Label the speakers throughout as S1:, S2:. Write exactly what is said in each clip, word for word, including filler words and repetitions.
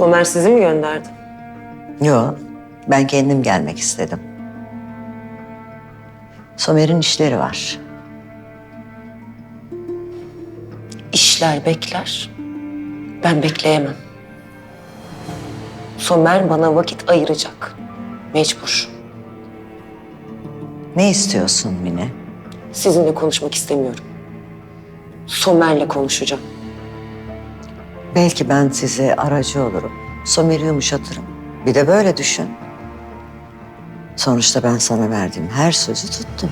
S1: Somer sizi mi gönderdi?
S2: Yok, ben kendim gelmek istedim. Somer'in işleri var.
S1: İşler bekler. Ben bekleyemem. Somer bana vakit ayıracak. Mecbur.
S2: Ne istiyorsun Mine?
S1: Sizinle konuşmak istemiyorum. Somer'le konuşacağım.
S2: Belki ben size aracı olurum. Somer'i yumuşatırım. Bir de böyle düşün. Sonuçta ben sana verdiğim her sözü tuttum.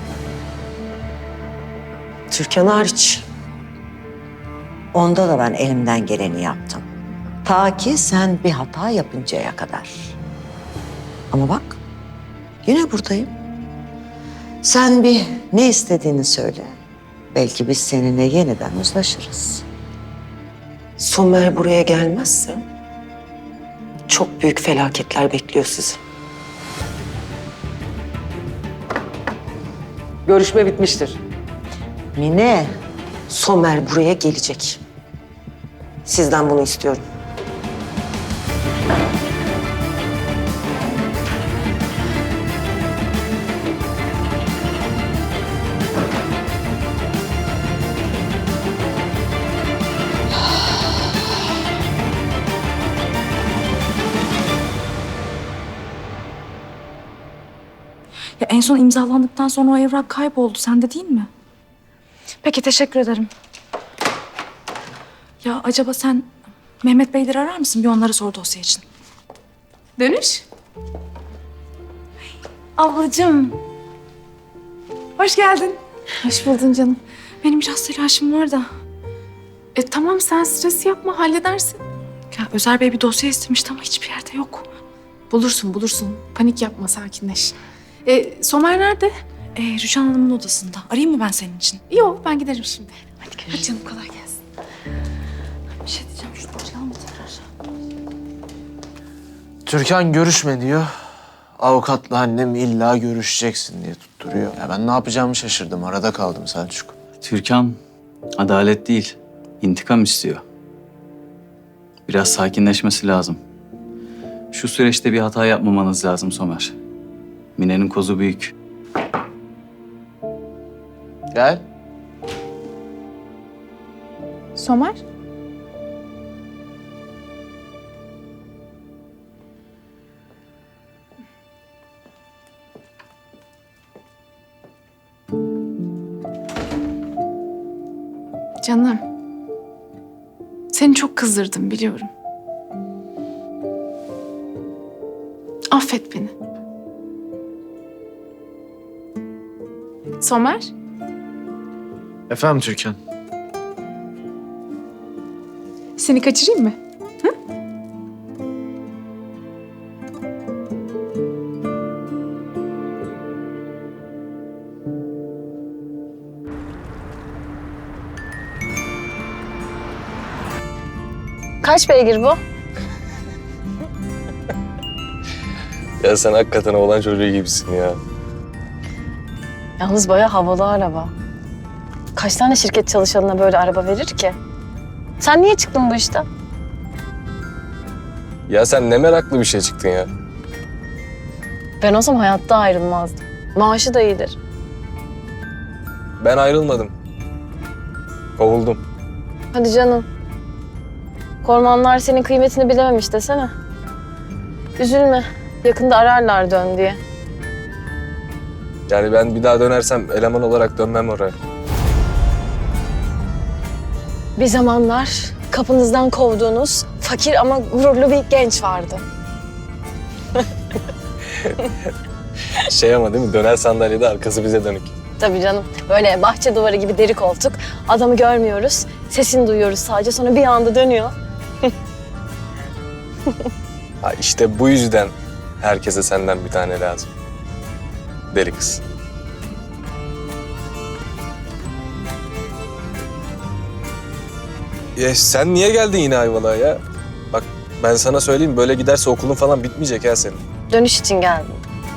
S1: Türkan hariç.
S2: Onda da ben elimden geleni yaptım. Ta ki sen bir hata yapıncaya kadar. Ama bak, yine buradayım. Sen bir ne istediğini söyle. Belki biz seninle yeniden uzlaşırız.
S1: Somer buraya gelmezse çok büyük felaketler bekliyor sizi.
S3: Görüşme bitmiştir.
S2: Mine,
S1: Somer buraya gelecek. Sizden bunu istiyorum.
S4: Ya en son imzalandıktan sonra o evrak kayboldu. Sende değil mi? Peki, teşekkür ederim. Ya acaba sen Mehmet Beyleri arar mısın? Bir onları sor dosya için. Dönüş. Ablacığım. Hoş geldin.
S5: Hoş buldun canım.
S4: Benim biraz telaşım var da.
S5: E tamam, sen stres yapma, halledersin.
S4: Ya Özer Bey bir dosya istemişti ama hiçbir yerde yok.
S5: Bulursun bulursun. Panik yapma, sakinleş. E, Somer nerede?
S4: Ee, Rüçhan Hanım'ın odasında. Arayayım mı ben senin için?
S5: Yok, ben giderim şimdi.
S4: Hadi görüşürüz.
S5: Hadi canım, kolay gelsin.
S4: Bir şey diyeceğim. Şunu arayalım mı tekrar?
S6: Türkan görüşme diyor. Avukatla annem illa görüşeceksin diye tutturuyor. Ya ben ne yapacağımı şaşırdım. Arada kaldım Selçuk.
S7: Türkan adalet değil, intikam istiyor. Biraz sakinleşmesi lazım. Şu süreçte bir hata yapmamanız lazım Somer. Mine'nin kozu büyük.
S6: Gel.
S5: Somer? Canım. Seni çok kızdırdım, biliyorum. Affet beni. Somer?
S6: Efendim Türkan.
S5: Seni kaçırayım mı? Hı?
S8: Kaç beygir bu?
S9: Ya sen hakikaten oğlan çocuğu gibisin ya.
S8: Yalnız bayağı havalı araba. Kaç tane şirket çalışanına böyle araba verir ki? Sen niye çıktın bu işten?
S9: Ya sen ne meraklı bir şey çıktın ya.
S8: Ben olsam hayatta ayrılmazdım. Maaşı da iyidir.
S9: Ben ayrılmadım. Kovuldum.
S8: Hadi canım. Kormanlar senin kıymetini bilememiş desene. Üzülme. Yakında ararlar dön diye.
S9: Yani ben bir daha dönersem eleman olarak dönmem oraya.
S8: Bir zamanlar kapınızdan kovduğunuz fakir ama gururlu bir genç vardı.
S9: Şey ama değil mi? Döner sandalyede arkası bize dönük.
S8: Tabii canım. Böyle bahçe duvarı gibi deri koltuk. Adamı görmüyoruz. Sesini duyuyoruz sadece. Sonra bir anda dönüyor.
S9: Ha işte bu yüzden herkese senden bir tane lazım. Deli kız. Ya sen niye geldin yine Ayvalık'a ya? Bak ben sana söyleyeyim, böyle giderse okulun falan bitmeyecek ha senin.
S8: Dönüş için geldim.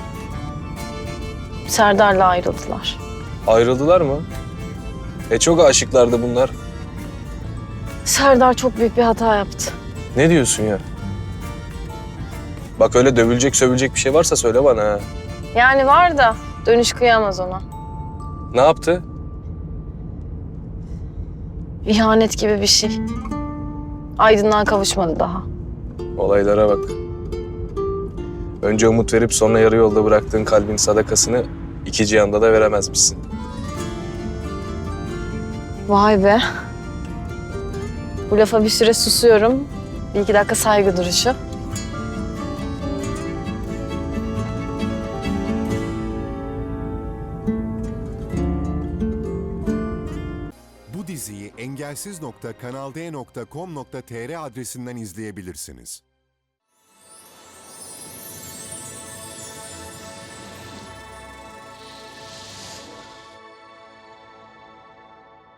S8: Serdar'la ayrıldılar.
S9: Ayrıldılar mı? E çok aşıklardı bunlar.
S8: Serdar çok büyük bir hata yaptı.
S9: Ne diyorsun ya? Bak öyle dövülecek sövülecek bir şey varsa söyle bana ha.
S8: Yani var da dönüş kıyamaz ona.
S9: Ne yaptı?
S8: İhanet gibi bir şey. Aydınlığa kavuşmadı daha.
S9: Olaylara bak. Önce umut verip sonra yarı yolda bıraktığın kalbin sadakasını iki cihanda da veremezmişsin.
S8: Vay be. Bu lafa bir süre susuyorum. Bir iki dakika saygı duruşu.
S3: Bu diziyi engelsiz nokta kanal d nokta com nokta tr adresinden izleyebilirsiniz.